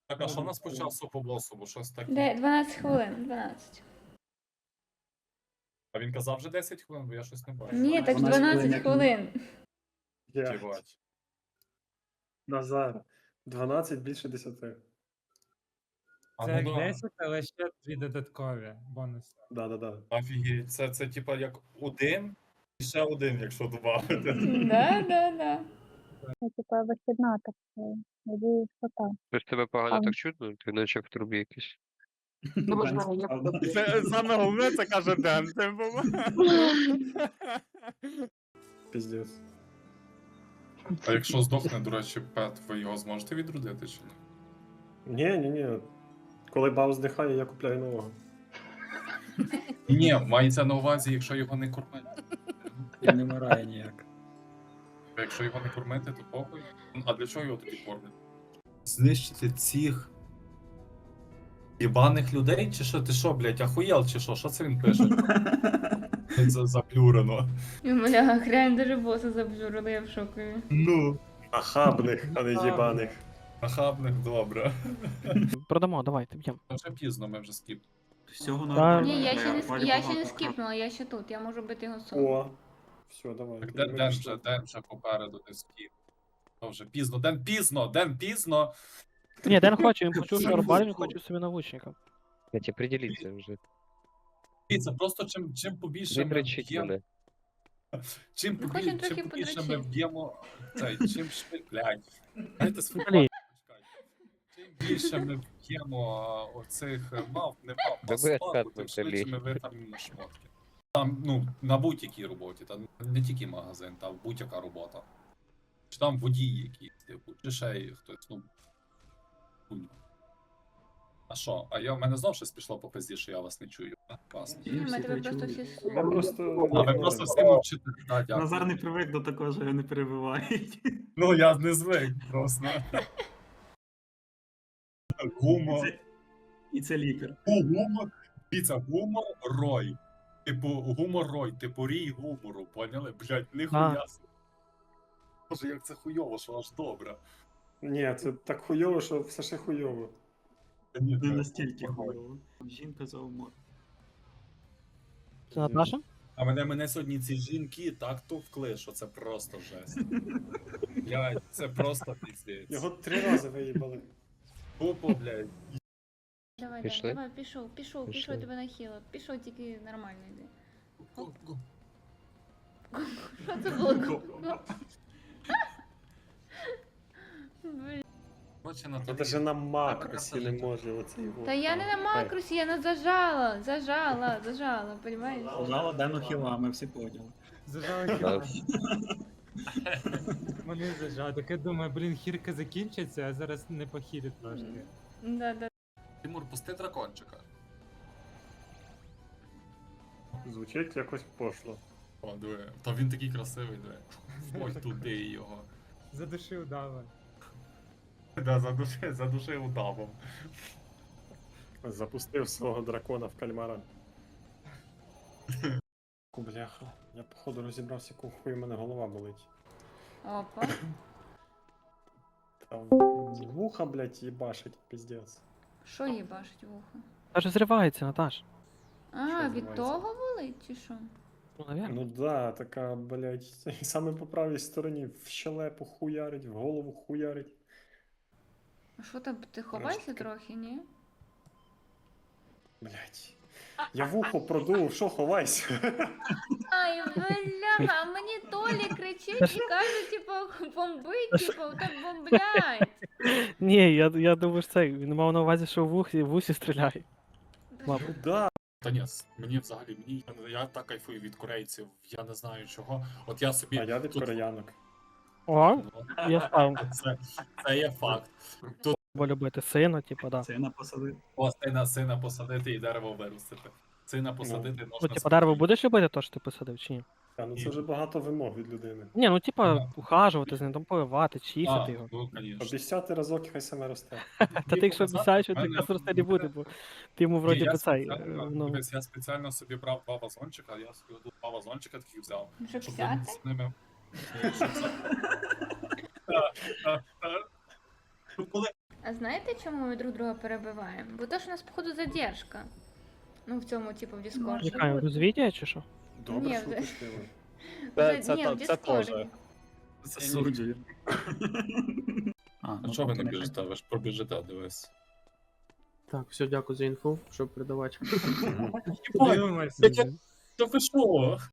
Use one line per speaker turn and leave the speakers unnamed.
Так, а що у нас по часу по босу, бо щось таке?
Де 12 хвилин, 12.
А він казав вже 10 хвилин, бо я щось не бачу.
Ні, так
12
12 хвилин.
Єбать.
Назар. 12 більше 10.
А
Це
ну
як
да.
10, але ще 2 додаткові бонуси.
Да.
Офігеть, це типа як один і ще один, якщо додати.
Да.
Ну, типа вихідна так. Надіюсь, що так.
Щось тебе погано
Ам.
так чутно, ти наче в трубі якийсь.
Це саме головне, це каже Ден.
Піздець.
А якщо здохне, до речі, пет, ви його зможете відродити чи ні?
Ні. Коли бау здихає, я купляю нового.
Ні, мається на увазі, якщо його не кормити.
І не вмирає ніяк.
А якщо його не кормити, то похуй. А для чого його тоді кормять? Знищити цих єбаних людей, чи що? Ти що, блядь, ахуєл, чи що? Що це він пише? Це заплюрено.
Бля, хрен даже боса забжурили, я в шокові.
Ну,
Нахабних, а не їбаних.
нахабних, добре.
Продамо, давайте, б'ємо.
Вже пізно, ми вже скіп.
Всього
Да.
нормально.
Ні, я ще не,
Валі
я ще не
багато.
скіпнула, я ще тут, я можу бити його соло.
О. Все, давай.
Так Ден вже попереду не скіп. То вже пізно, Ден пізно!
Ні, Ден хоче, він почув, що Арбалін хоче собі навучника.
Блять, определіться вже.
Дивіться, просто чим побільше ми
Витрачіть
б'ємо,
мене.
чим
Ми хочемо трохи
побільше ми
подрочити.
б'ємо, чим швидше, блядь, дайте свою
Блін.
чим більше ми б'ємо оцих мав, не мав,
Да ви
паспаку,
откат
тим
взагалі.
швидше ми витягнемо шмотки. Там, ну, на будь-якій роботі, там не тільки магазин, там будь-яка робота. Чи там водій якийсь, типу, чи ще й хтось, ну. хуйня. А що? А в мене знов щось пішло по пизді, що я вас не чую. А, класно.
Ні, ми тебе просто всі
Ми
слухаємо.
просто...
А ви просто всі мовчите. Да, дякую.
Назар не привик до такого, що його не перебивають.
Ну, я не звик просто. Гумор.
І це лікар.
Гумор. Дивіться, гумор рой. Типу, гумор рой, типу рій гумору, поняли? Блять, ніхуя. Боже, як це хуйово, що аж добре.
Ні, це так хуйово, що все ще хуйово.
Та ні,
Не
це
настільки
гумор.
хуйово. Жінка за умор.
Це Наташа?
А мене сьогодні ці жінки так товкли, що це просто жесть. Блять, це просто піздець.
Його 3 рази виїбали.
Тупо, блять.
Давай,
Пішли?
давай, пішов,
Пішли.
тебе нахило. Пішов, тільки нормально йди. Що це було? Блін.
Короче, на
Та даже на макросі не може оцей.
Та я не на макросі, я зажала, понімаєш?
Жала Дену хіла, ми всі поняли.
Зажали хіба. Вони зажали. Так я думаю, блін, хірка закінчиться, а зараз не похилить трошки.
Да.
Тимур, пусти дракончика.
Звучить якось пошло.
О, диви. Та він такий красивий, диви. Ось туди його.
Задушив дава.
Да, задушив удавом.
Запустив свого дракона в кальмара. Бляха, я походу розібрався, яку хуй в мене голова болить.
Опа.
Та вуха, блядь, їбашить, піздець.
Що їбашить вухо?
Та ж зривається, Наташ.
А,
Що
від
зривається?
того болить чи що?
Ну, навірно.
Ну да, така, блядь, саме по правій стороні в щелепу хуярить, в голову хуярить.
А що там, ти ховайся
таке.
трохи, ні?
Блядь. Я вухо продув, що ховайся?
Ай, бляха, а мені Толі кричить і каже, типу, бомбить, типу, так бомблять.
Ні, я думаю, що це, він мав на увазі, що в вусі стріляє.
Ну да.
Та ні, мені взагалі, я так кайфую від корейців, я не знаю чого. От я собі.
А я від
тут-
кореянок.
О,
Ну,
я став.
це є факт. Тут
Бо любити сина, типу, да.
Це на посади.
сина посадити і дерево виростити. Сина посадити
Ну,
можна.
типу, дерево будеш любити то, що ти посадив, чи ні?
А, ну це вже багато вимог від людини.
Ні, ну типа,
Ага.
ухажувати з ним, там поливати,
А,
чистити його.
ну, звісно.
Обіцяти разок, хай саме росте.
Та ти якщо обіцяєш, що ти
мене-
якраз росте не буде, бо ти йому вроді
Я
би цей.
спеціально-
Ну,
дивись, я спеціально собі брав 2 вазончика, я собі тут 2 вазончика таких взяв.
Щоб
Щоб
взяти?
з ними. Щоб взяти. Ну, коли
А знаєте, чому ми друг друга перебиваємо? Бо то, що у нас, походу, задержка. Ну, в цьому, типу, в Діскорді.
Чекаємо, розвідія чи що?
Добре,
Ні,
шуточки ви.
Ні, в Діскорді.
теж.
Засуджую.
А чого ви не біжите? Ви ж пробіжите, дивись.
Так, все, дякую за інфу, щоб передавати.
Дивимося.
Та ви що?